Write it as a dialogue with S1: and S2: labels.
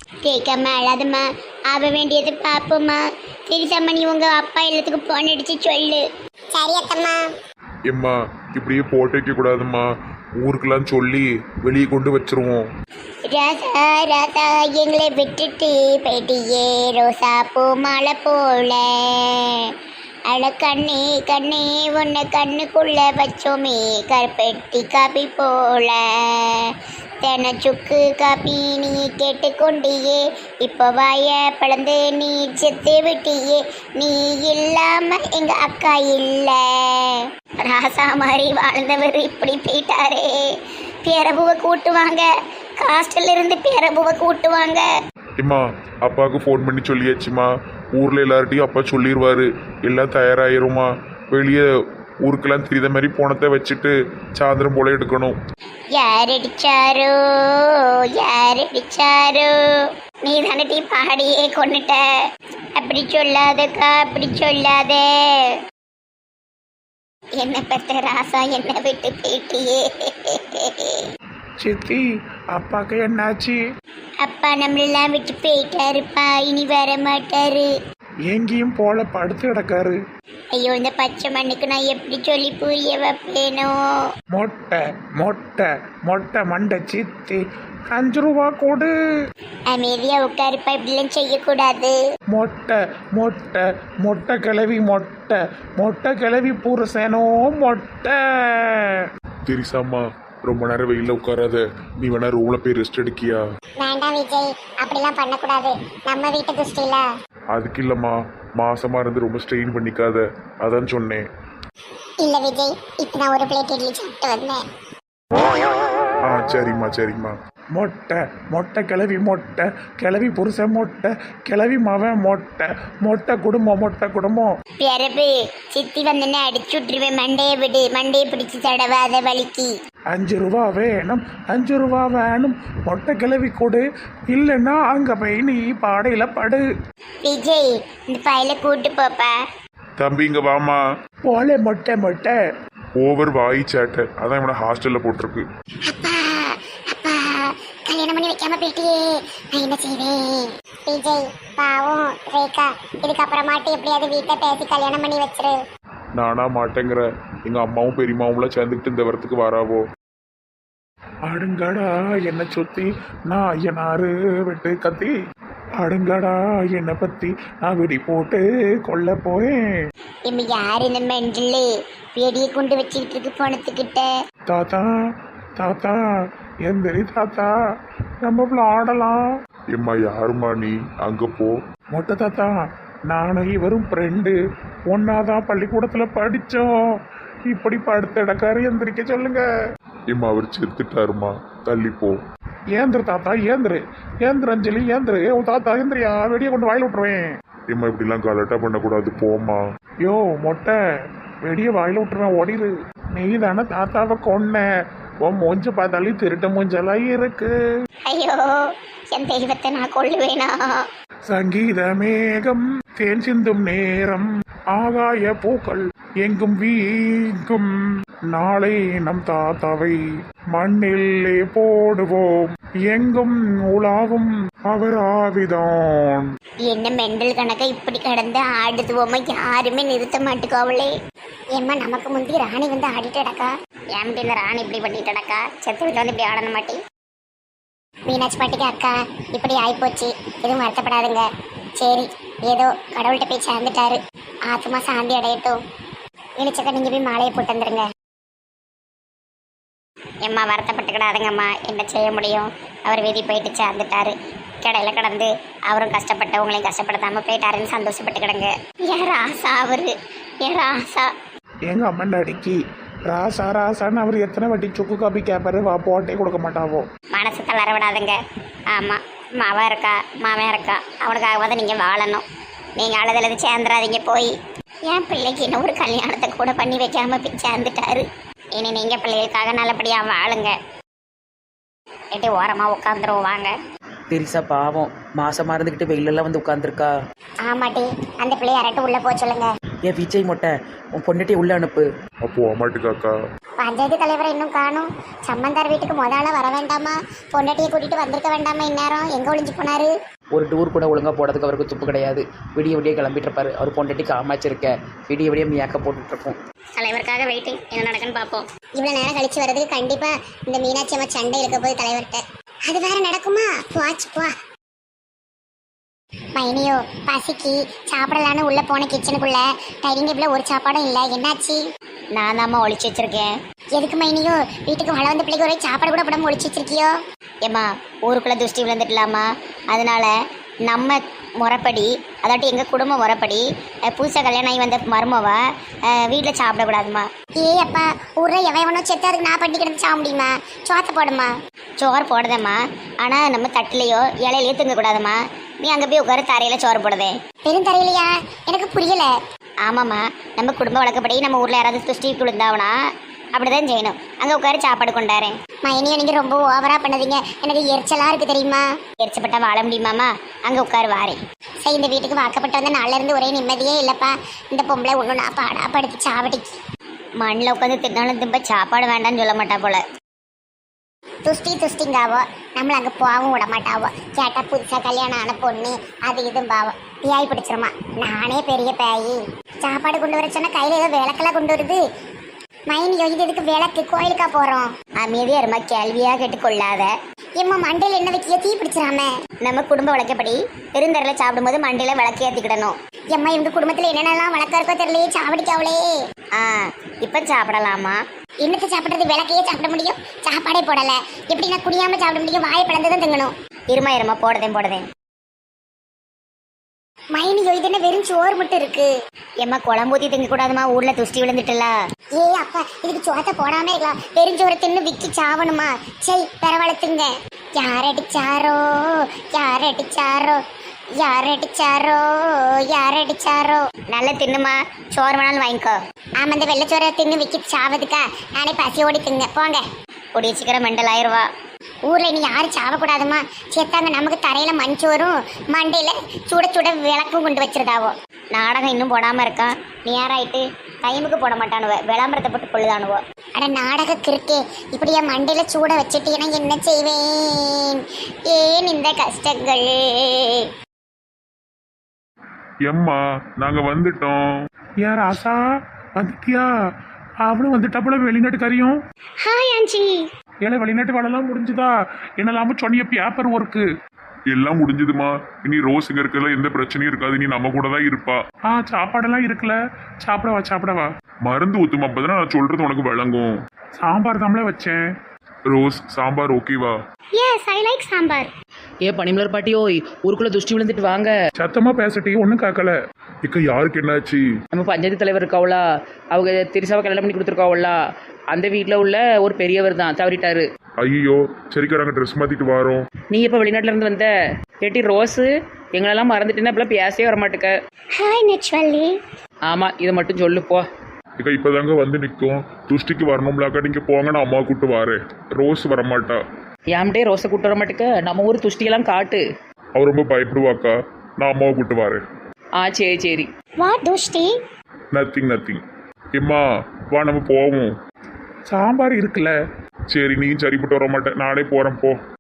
S1: கேட்காம அழாதம்மா. ஆக வேண்டியது பாப்போம்மா. தெரிசாம நீ உங்க அப்பா எல்லாத்துக்கும் போன் அடிச்சு சொல்லு. சரி அத்தம்மா.
S2: எம்மா இப்படியே போட்டு வைக்க கூடாதும்மா. ஊருக்கெல்லாம் சொல்லி வெளியே கொண்டு வச்சிருவோம்.
S1: ராசா ராசா எங்களை விட்டுட்டு போயிட்டியே ரோசா பூ மாலை போல. அட கண்ணே கண்ணே உன்னை கண்ணுக்குள்ள வச்சோமே கருப்பெட்டி காப்பி போல. தென சுக்கு காப்பி நீ கேட்டுக்கொண்டியே இப்போ வாய பிளந்து நீ செத்து விட்டியே. நீ இல்லாம எங்க அக்கா இல்ல. ராசா மாதிரி வாழ்ந்தவர் இப்படி போயிட்டாரே. பேரபுவை கூட்டுவாங்க, ஹாஸ்டல்ல இருந்து பேரபுவை கூட்டுவாங்க.
S2: எம்மா அப்பாவுக்கு ஃபோன் பண்ணி சொல்லியாச்சுமா. ஊரில் எல்லார்ட்டையும் அப்பா சொல்லிடுவாரு. எல்லாம் தயாராகிருமா. வெளியே ஊருக்கெல்லாம் தெரியாத மாதிரி போனத்தை வச்சுட்டு சாயந்தரம் போல எடுக்கணும்.
S1: யார் அடிச்சாரோ யார் அடிச்சாரோ. நீ தானே டீ பாடியே கொண்டுட்ட. அப்படி சொல்லாதக்கா அப்படி சொல்லாத. என்ன பெத்த ராசா என்ன விட்டு போயிட்டியே.
S3: சித்தி அப்பாக்கு என்னாச்சு?
S1: அப்பா நம்மளெல்லாம் விட்டு போயிட்டாருப்பா. இனி வர மாட்டாரு.
S3: எங்கேயும் போல படுத்து கிடக்காரு.
S1: ஐயோ இந்த பச்சை மண்ணுக்கு நான் எப்படி சொல்லி புரிய வைப்பேனோ.
S3: மொட்டை மொட்டை மொட்டை மண்டை சித்தி 5 ரூபா கொடு.
S1: அமைதியா உட்காருப்பா. இப்படிலாம் செய்யக்கூடாது.
S3: மொட்டை மொட்டை மொட்டை கிளவி மொட்டை மொட்டை கிளவி புருஷனோ மொட்டை.
S2: தெரிசாம்மா ரொம்ப நேரம் வெயிலில் உட்காராத. நீ வேணா ரூம்ல போய் ரெஸ்ட் எடுக்கியா?
S1: வேண்டாம் விஜய், அப்படிலாம் பண்ணக்கூடாது. நம்ம வீட்டு துஷ்டில.
S2: அதுக்கு இல்லைம்மா, மாசமா இருந்து ரொம்ப ஸ்ட்ரெயின் பண்ணிக்காத, அதான் சொன்னேன்.
S1: இல்ல விஜய், இப்ப நான் ஒரு பிளேட் இட்லி சாப்பிட்டு வந்தேன்.
S2: ஆ சரிம்மா சரிம்மா.
S3: மொட்டை மொட்டை கிளவி மொட்டை கிளவி புருஷன் மொட்டை கிளவி மவன் மொட்டை மொட்டை குடும்பம் மொட்டை குடும்பம்.
S1: பிறப்பு சித்தி வந்தேன்னு அடிச்சு விட்டுருவேன். மண்டையை விடு, மண்டையை பிடிச்சி தடவாத வலிக்கு.
S3: 5 ரூபா வேணும் 5 ரூபா வேணும் மொட்டை கிளவி கொடு. இல்லைன்னா அங்கே போய் நீ பாடையில் படு.
S1: விஜய் இந்த பையில கூட்டு போப்பா.
S2: தம்பி இங்க வாமா.
S3: போல மொட்டை மொட்டை.
S2: ஓவர் வாய் சேட்டை, அதான் இவனை ஹாஸ்டல்ல போட்டிருக்கு.
S1: அப்பா அப்பா கல்யாணம் பண்ணி வைக்காம போயிட்டியே, நான் என்ன செய்வேன்? விஜய் பாவம் ரேகா, இதுக்கப்புறமாட்டி எப்படியாவது வீட்டை பேசி கல்யாணம் பண்ணி வச்சிரு.
S2: நானா மாட்டேங்கிற. எங்க அம்மாவும் பெரியம்மாவும்லாம் சேர்ந்துக்கிட்டு இந்த வரத்துக்கு வராவோ.
S3: அடுங்கடா என்னை சுத்தி நான் ஐயனாரு வெட்டு கத்தி. அடுங்கடா என்னை பத்தி நான் வெடி போட்டு கொல்ல போயேன்.
S1: இம்ம யாரு இந்த மெண்டலு வெடியை கொண்டு வச்சுக்கிட்டு இருக்கு போனத்துக்கிட்ட.
S3: தாத்தா தாத்தா எந்திரி தாத்தா, நம்ம விளாடலாம்.
S2: எம்மா யாருமா நீ? அங்க போ.
S3: மொட்டை தாத்தா, நானும் இவரும் ஃப்ரெண்டு, ஒன்னாதான் பள்ளிக்கூடத்தில் படித்தோம். இப்படி படுத்த இடக்காரு எந்திரிக்க சொல்லுங்க.
S2: எம்மா அவர் செத்துட்டாருமா, தள்ளி போ.
S3: ஏந்திரு தாத்தா ஏந்திரு ஏந்திரு அஞ்சலி ஏந்திரு. ஓ தாத்தா ஏந்திரியா, வெடியை கொண்டு வாயில் விட்டுருவேன்.
S2: எம்மா இப்படிலாம் கலட்டா பண்ணக்கூடாது, போமா.
S3: யோ மொட்டை, வெடியை வாயில் விட்டுருவேன், ஓடிரு. நீ தானே தாத்தாவை கொன்ன. உன் மூஞ்ச பார்த்தாலே திருட்ட மூஞ்செல்லாம் இருக்கு.
S1: ஐயோ என் தெய்வத்தை நான் கொள்ளுவேனா?
S3: சங்கீத மேகம் தேன் சிந்தும் நேரம், ஆகாய பூக்கள் எங்கும் வீங்கும். நாளை நம் தாத்தாவை மண்ணிலே போடுவோம், எங்கும் உலாவும் அவர் ஆவிதான்.
S1: என்ன மெண்டல் கணக்க இப்படி கடந்து ஆடுதுவோமா, யாருமே நிறுத்த மாட்டுக்கோவளே. ஏம்மா நமக்கு முந்தி ராணி வந்து ஆடிட்டு அடக்கா. ஏன் இந்த ராணி இப்படி பண்ணிட்டு அடக்கா? செத்து வீட்டில் வந்து இப்படி ஆடணும் மாட்டி. மீனாட்சி பாட்டிக்கு அக்கா இப்படி ஆயிப்போச்சு, எதுவும் வருத்தப்படாதுங்க. சரி ஏதோ கடவுள்கிட்ட போய் சேர்ந்துட்டாரு, ஆத்மா சாந்தி அடையட்டும். இனிச்சக்க நீங்க போய் மாலையை போட்டு வந்துருங்க. எம்மா வருத்தப்பட்டுக்கிடாதுங்கம்மா, என்ன செய்ய முடியும்? அவர் வீதி போயிட்டு சேர்ந்துட்டாரு. கடையில கடந்து அவரும் கஷ்டப்பட்டு உங்களையும் கஷ்டப்படுத்தாம போயிட்டாருன்னு சந்தோஷப்பட்டுக்கிடுங்க. ஏன் ராசா அவரு, ஏன் ராசா.
S3: எங்க அம்மன் அடிக்கி ராசா ராசான்னு அவர் எத்தனை வாட்டி சுக்கு காப்பி கேட்பாரு, வா போட்டே கொடுக்க மாட்டாவோ.
S1: மனசு தளர விடாதுங்க. ஆமாம் மாவன் இருக்கா மாவன் இருக்கா, அவனுக்காகவாத நீங்கள் வாழணும். நீங்கள் அழுதழுது சேர்ந்துடாதீங்க போய். என் பிள்ளைக்கு இன்னும் ஒரு கல்யாணத்தை கூட பண்ணி வைக்காம போய் சேர்ந்துட்டாரு. இனி நீங்கள் பிள்ளைகளுக்காக நல்லபடியாக வாழுங்க. எட்டு ஓரமாக உட்காந்துருவோம் வாங்க.
S4: பெரிசா பாவம் மாசமா இருந்துக்கிட்டு வெயிலெல்லாம் வந்து உட்காந்துருக்கா.
S1: ஆமாட்டி, அந்த பிள்ளைய அரட்டு உள்ளே போக சொல்லுங்க.
S4: ஏன் விஜய் மொட்டை உன் பொண்ணுட்டே உள்ளே அனுப்பு.
S2: அப்போ அம்மாட்டுக்காக்கா
S1: பஞ்சாயத்து தலைவரை இன்னும் காணும். சம்பந்தார் வீட்டுக்கு முதல்ல வர வேண்டாமா? பொண்டாட்டியை கூட்டிட்டு வந்திருக்க வேண்டாமா? இந்நேரம் எங்க ஒளிஞ்சு போனாரு?
S4: ஒரு டூர் கூட ஒழுங்காக போகிறதுக்கு அவருக்கு துப்பு கிடையாது. விடிய விடிய கிளம்பிட்டு இருப்பாரு. அவர் பொண்டாட்டிக்கு அமைச்சிருக்க விடிய விடிய மேக்கப் போட்டுட்ருக்கோம்.
S1: தலைவருக்காக வெயிட்டிங், என்ன நடக்குன்னு பார்ப்போம். இவ்வளவு நேரம் கழிச்சு வர்றதுக்கு கண்டிப்பா இந்த மீனாட்சி அம்மா சண்டை இருக்க போது தலைவர்கிட்ட. அது வேற நடக்குமா? போச்சு போ. மைனியோ பசிக்கு சாப்பிடலான்னு உள்ள போன கிச்சனுக்குள்ள டைனிங் டேபிள்ல ஒரு சாப்பாடும் இல்லை. என்னாச்சு? நான் தாம்மா ஒளிச்சு வச்சிருக்கேன். எதுக்கு மைனியோ? வீட்டுக்கு மழை வந்த பிள்ளைக்கு ஒரே சாப்பாடு கூட போடாம ஒளிச்சு வச்சிருக்கியோ? ஏம்மா ஊருக்குள்ள துஷ்டி விழுந்துட்டலாமா? அதனால நம்ம முறைப்படி, அதாட்டி எங்கள் குடும்ப முறைப்படி புதுசாக கல்யாணம் ஆகி வந்த மருமவ வீட்டில் சாப்பிடக்கூடாதுமா. ஏ அப்பா, ஊரில் எவனோ செத்து அதுக்கு நான் பண்ணி கிடந்து சாப்பிட முடியுமா? சோத்தை போடுமா? சோறு போடுதேம்மா, ஆனால் நம்ம தட்டிலையோ இலையிலையோ தூங்கக்கூடாதும்மா. நீ அங்கே போய் உட்கார தரையில் சோறு போடுதே. பெரும் தரையிலையா? எனக்கு புரியலை. ஆமாம்மா, நம்ம குடும்ப வழக்கப்படி நம்ம ஊரில் யாராவது துஷ்டி விழுந்தாவனா அப்படிதான் செய்யணும். அங்கே உட்கார சாப்பாடு கொண்டாரேன். மைனியை நீங்கள் ரொம்ப ஓவராக பண்ணதீங்க. எனக்கு எரிச்சலாக இருக்குது தெரியுமா? எரிச்சப்பட்டா வாழ முடியுமாம்மா? அங்கே உட்காரு வாரேன். சரி, இந்த வீட்டுக்கு வாக்கப்பட்டு வந்த நாளில் இருந்து ஒரே நிம்மதியே இல்லைப்பா. இந்த பொம்பளை ஒன்று நான் படுத்து சாவடிக்கு மண்ணில் உட்காந்து தின்னாலும் திரும்ப சாப்பாடு வேண்டாம்னு சொல்ல மாட்டா போல. துஷ்டிங்காவோ நம்மளை அங்கே போகவும் விட மாட்டாவோ. கேட்டால் புதுசாக கல்யாணம் ஆன பொண்ணு அது இதுவும் பாவம் பியாய் பிடிச்சிருமா. நானே பெரிய பேயி. சாப்பாடு கொண்டு வர சொன்னால் கையில் ஏதோ விளக்கெல்லாம் கொண்டு வருது. மைனி இது எதுக்கு விளக்கு? கோயிலுக்கா போகிறோம்? அமைதியாக இருமா, கேள்வியாக கேட்டுக்கொள்ளாத. ஏம்மா மண்டையில் என்ன வைக்கிய? தீ பிடிச்சிடாம. நம்ம குடும்ப வழக்கப்படி பெருந்தரையில் சாப்பிடும்போது மண்டையில் விளக்கு ஏற்றிக்கிடணும். எம்மா இவங்க குடும்பத்தில் என்னென்னலாம் வழக்கம் இருக்கோ தெரியலையே, சாவடிக்காவளே. இப்போ சாப்பிடலாமா? என்னத்தை சாப்பிட்றது? விளக்கையே சாப்பிட முடியும்? சாப்பாடே போடலை. எப்படி நான் குடியாமல் சாப்பிட முடியும்? வாயை பிளந்து தான் திங்கணும். இருமா போடுதேன். மைனி இது என்ன வெறும் சோறு மட்டும் இருக்கு? எம்மா குழம்பூத்தி திங்க கூடாதுமா, ஊர்ல துஷ்டி விழுந்துட்டுல. ஏ அப்பா, இதுக்கு சோத்தை போடாம இருக்கலாம். பெருஞ்சோரை தின்னு விக்கி சாவணுமா? சரி பரவாயில்ல. யாரடிச்சாரோ நல்ல தின்னுமா. சோறு வேணாலும் வாங்கிக்கோ. ஆமா, இந்த வெள்ளச்சோரை தின்னு விக்கி சாவதுக்கா நானே பசியோடி திங்க. போங்க, கூடிய சீக்கிரம் மெண்டல் ஆயிடுவா. ஊர்ல இனி யாரும் சாவக்கூடாதுமா. சேர்த்தாங்க நமக்கு தரையில மஞ்சோரும் மண்டையில சுட விளக்கும் கொண்டு வச்சிருந்தாவோ. நாடகம் இன்னும் போடாம இருக்கான். நேராயிட்டு டைமுக்கு போட மாட்டானுவ, விளம்பரத்தை போட்டு கொள்ளுதானுவோ. அட நாடக கிருக்கே, இப்படியா மண்டையில சூட வச்சுட்டீங்கன்னா என்ன செய்வேன்? ஏன் இந்த கஷ்டங்கள்?
S2: எம்மா நாங்க வந்துட்டோம்.
S3: யார் ஆசா வந்துட்டியா? அவனும் வந்துட்டா போல வெளிநாட்டுக்காரியும்.
S1: ஹாய் ஆஞ்சி.
S3: ஏன்னா வெளிநாட்டு வேலைலாம் முடிஞ்சுதா? என்னெல்லாம சொன்னிய பேப்பர் ஒர்க்கு
S2: எல்லாம் முடிஞ்சதுமா. இனி ரோஸ் இங்க இருக்கல, எந்த பிரச்சனையும் இருக்காது. நீ நம்ம கூட தான் இருப்பா.
S3: சாப்பாடெல்லாம் இருக்குல்ல, சாப்பிடவா.
S2: மருந்து ஊத்துமா, அப்பதான் நான் சொல்றது உனக்கு விளங்கும்.
S3: சாம்பார் தாமல வச்சேன்.
S2: ரோஸ் சாம்பார் ஓகேவா?
S1: Yes, I like sambar.
S4: ஏ பனிமலர் பாட்டி, ஓய் ஊருக்குள்ளே துஷ்டி விழுந்துட்டு வாங்க.
S3: சத்தமா பேசட்டி, ஒன்றும் கேட்கல.
S2: இக்க யாருக்கு என்னாச்சு?
S4: நம்ம பஞ்சாயத்து தலைவர் இருக்காவளா, அவங்க திரிசாவை கல்யாணம் பண்ணி கொடுத்துருக்காவளா, அந்த வீட்டில் உள்ள ஒரு பெரியவர் தான் தவறிட்டாரு.
S2: ஐயோ சரிக்கா, நாங்கள் ட்ரெஸ் மாற்றிட்டு வரோம்.
S4: நீ எப்போ வெளிநாட்டுல இருந்து வந்த? கேட்டி ரோஸு எங்களெல்லாம் மறந்துட்டேன்னா இப்பெல்லாம் பேசவே வரமாட்டுக்க.
S1: ஹாய் நெச்வல்லி.
S4: ஆமாம், இதை மட்டும் சொல்லு போ.
S2: இக்கா இப்போதாங்க வந்து நிற்கும். துஷ்டிக்கு வரணும்லாக்கா, நீங்கள் போங்க, நான் அம்மா கூப்பிட்டு வரேன். ரோஸ் வரமாட்டா.
S4: ஏன்டே ரோஸை கூட்டு வர மாட்டுக்க? நம்ம ஊர் துஷ்டியெல்லாம் காட்டு.
S2: அவர் ரொம்ப பயப்படுவாக்கா, நான் அம்மாவை கூப்பிட்டு வரேன்.
S4: சரி.
S1: வாட் துஷ்டி?
S2: நத்திங். எம்மா வா நம்ம போவோம்.
S3: சாம்பார் இருக்குல்ல.
S2: சரி, நீ சரிப்பட்டு வர மாட்டேன், நானே போகிறேன் போ.